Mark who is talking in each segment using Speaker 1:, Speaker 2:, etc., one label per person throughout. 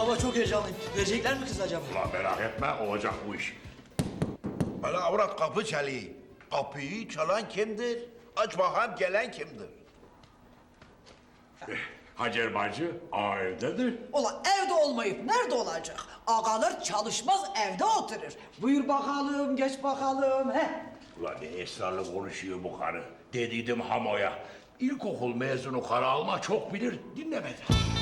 Speaker 1: Baba çok heyecanlıyım. Verecekler mi kız acaba?
Speaker 2: Ulan merak etme olacak bu iş.
Speaker 3: Hala avrat kapı çalıyor. Kapıyı çalan kimdir? Aç bakalım gelen kimdir?
Speaker 2: Hacer bacı ağa evdedir.
Speaker 4: Ulan evde olmayıp nerede olacak? Ağalar çalışmaz evde oturur. Buyur bakalım, geç bakalım. He.
Speaker 2: Ulan ne esrarlı konuşuyor bu karı. Dediydim Hamo'ya. İlkokul mezunu karı alma çok bilir, dinlemedi.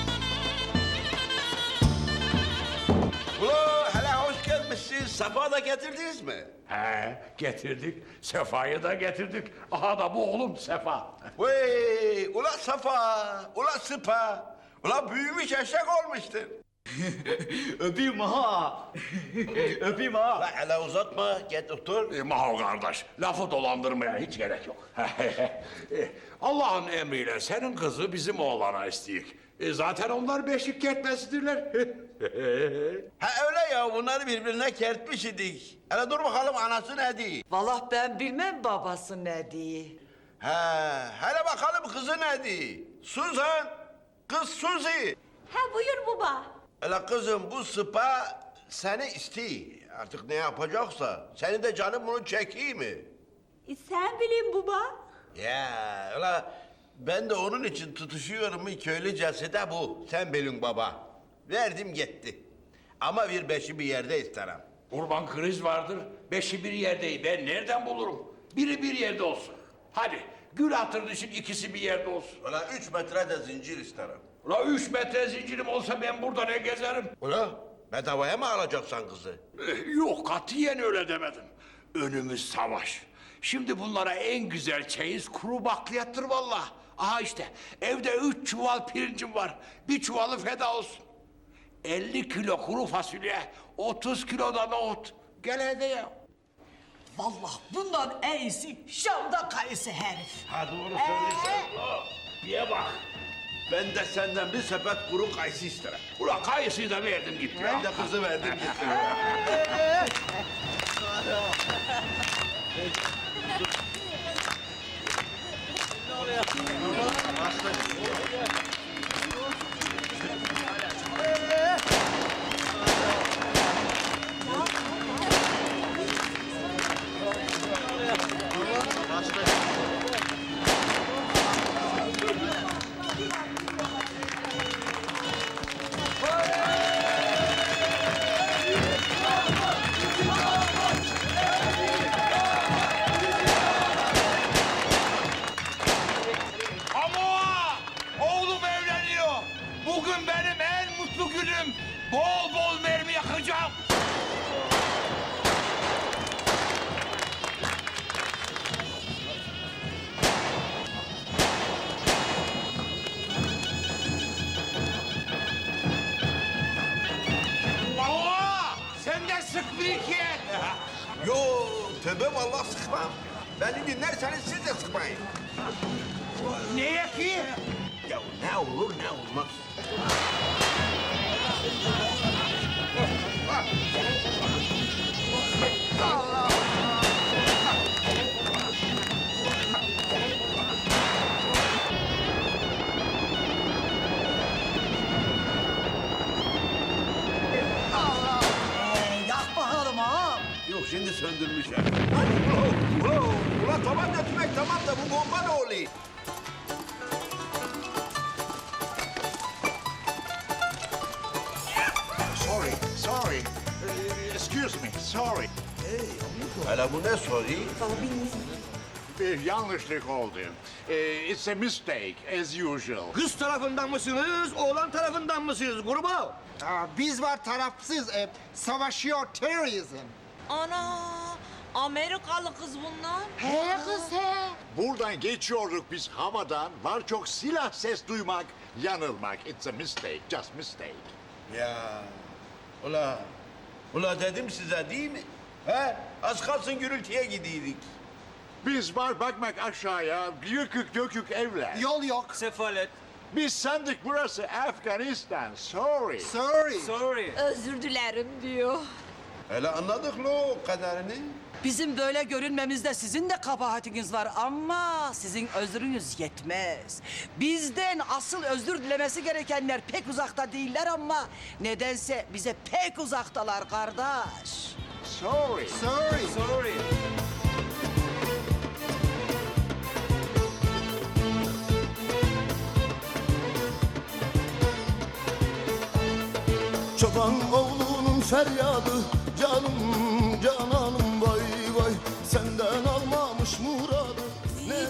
Speaker 3: Ula hele hoş gelmişsiniz. Safa da getirdiniz mi?
Speaker 2: He, getirdik. Sefa'yı da getirdik. Aha da bu oğlum Sefa.
Speaker 3: Vey ula Safa, ula Sıpa. Ula büyümüş eşek olmuştur.
Speaker 1: Öpeyim ha. Öpeyim ha.
Speaker 3: Ula hele uzatma, git otur.
Speaker 2: Maho kardeş, lafı dolandırmaya hiç gerek yok. Allah'ın emriyle senin kızı bizim oğlana isteyik. Zaten onlar beşik kertmesidirler.
Speaker 3: Ha öyle ya, bunları birbirine kertmiş idik. Hele dur bakalım anası ne diyor?
Speaker 4: Vallahi ben bilmem babası ne diye.
Speaker 3: Ha, hele bakalım kızı ne diyor? Suzan, kız Suzi.
Speaker 5: Ha buyur baba.
Speaker 3: Hele kızım bu Sıpa seni istiyor. Artık ne yapacaksa. Senin de canın bunu çekiyor mi?
Speaker 5: Sen bilin baba.
Speaker 3: Ya ula ben de onun için tutuşuyorum köylücesi de bu. Sen bilin baba. Verdim gitti. Ama bir beşi bir yerde isterim.
Speaker 2: Kurban kriz vardır, beşi bir yerdeyim. Ben nereden bulurum? Biri bir yerde olsun. Hadi, gül hatırın için ikisi bir yerde olsun.
Speaker 3: Ula 3 metre de zincir isterim.
Speaker 2: Ula 3 metre zincirim olsa ben burada ne gezerim?
Speaker 3: Ula bedavaya mı alacaksan kızı?
Speaker 2: Yok, katiyen öyle demedim. Önümüz savaş. Şimdi bunlara en güzel çeyiz kuru bakliyattır vallahi. Aha işte, evde 3 çuval pirincim var. Bir çuvalı feda olsun. 50 kilo kuru fasulye, 30 kilo da nohut. Gel hadi ya.
Speaker 4: Vallahi bundan en iyisi Şam'da kayısı herif.
Speaker 3: Ha doğru söylüyorsun. Ula, diye bak. Ben de senden bir sepet kuru kayısı isterim.
Speaker 2: Ula kayısıyı da verdim gitti ya.
Speaker 3: Ben de kızı verdim gitti.
Speaker 2: Ama oğlum evleniyor. Bugün benim en mutlu günüm. Bol bol mermi yakacağım. Baba, sen de sık bir iki et.
Speaker 3: Yo tövbe vallahi sıkmam. Beni dinlerseniz siz de sıkmayın.
Speaker 2: Neye ki?
Speaker 3: Ya ne olur ne olmaz.
Speaker 4: Yak bakalım ha.
Speaker 3: Yok şimdi söndürmüş ya. Ulan tamam da tümek tamam da bu bomba ne oluyor?
Speaker 6: Sorry. Excuse me, sorry.
Speaker 3: Hele bu ne soruyor?
Speaker 6: Bir yanlışlık oldu. It's a mistake, as usual.
Speaker 1: Kız tarafından mısınız, oğlan tarafından mısınız gruba?
Speaker 7: Biz var tarafsız, savaşıyor terörizm.
Speaker 5: Ana Amerikalı kız bunlar.
Speaker 7: He kız he.
Speaker 6: Buradan geçiyorduk biz havadan. Var çok silah ses duymak, yanılmak. It's a mistake, just mistake.
Speaker 3: Ya ula dedim size değil mi? He? Az kalsın gürültüye gidiydik.
Speaker 6: Biz var bakmak aşağıya, yıkık dökük evler.
Speaker 7: Yol yok.
Speaker 1: Sefalet.
Speaker 6: Biz sandık burası Afganistan, sorry.
Speaker 7: Sorry.
Speaker 1: Sorry.
Speaker 5: Özür dilerim diyor.
Speaker 3: Hele anladık lo o kadarını.
Speaker 4: Bizim böyle görünmemizde sizin de kabahatiniz var ama sizin özrünüz yetmez. Bizden asıl özür dilemesi gerekenler pek uzakta değiller ama nedense bize pek uzaktalar kardeş.
Speaker 6: Sorry.
Speaker 7: Sorry.
Speaker 8: Çoban oğlunun feryadı, canım cananım vay vay, senden almamış murat.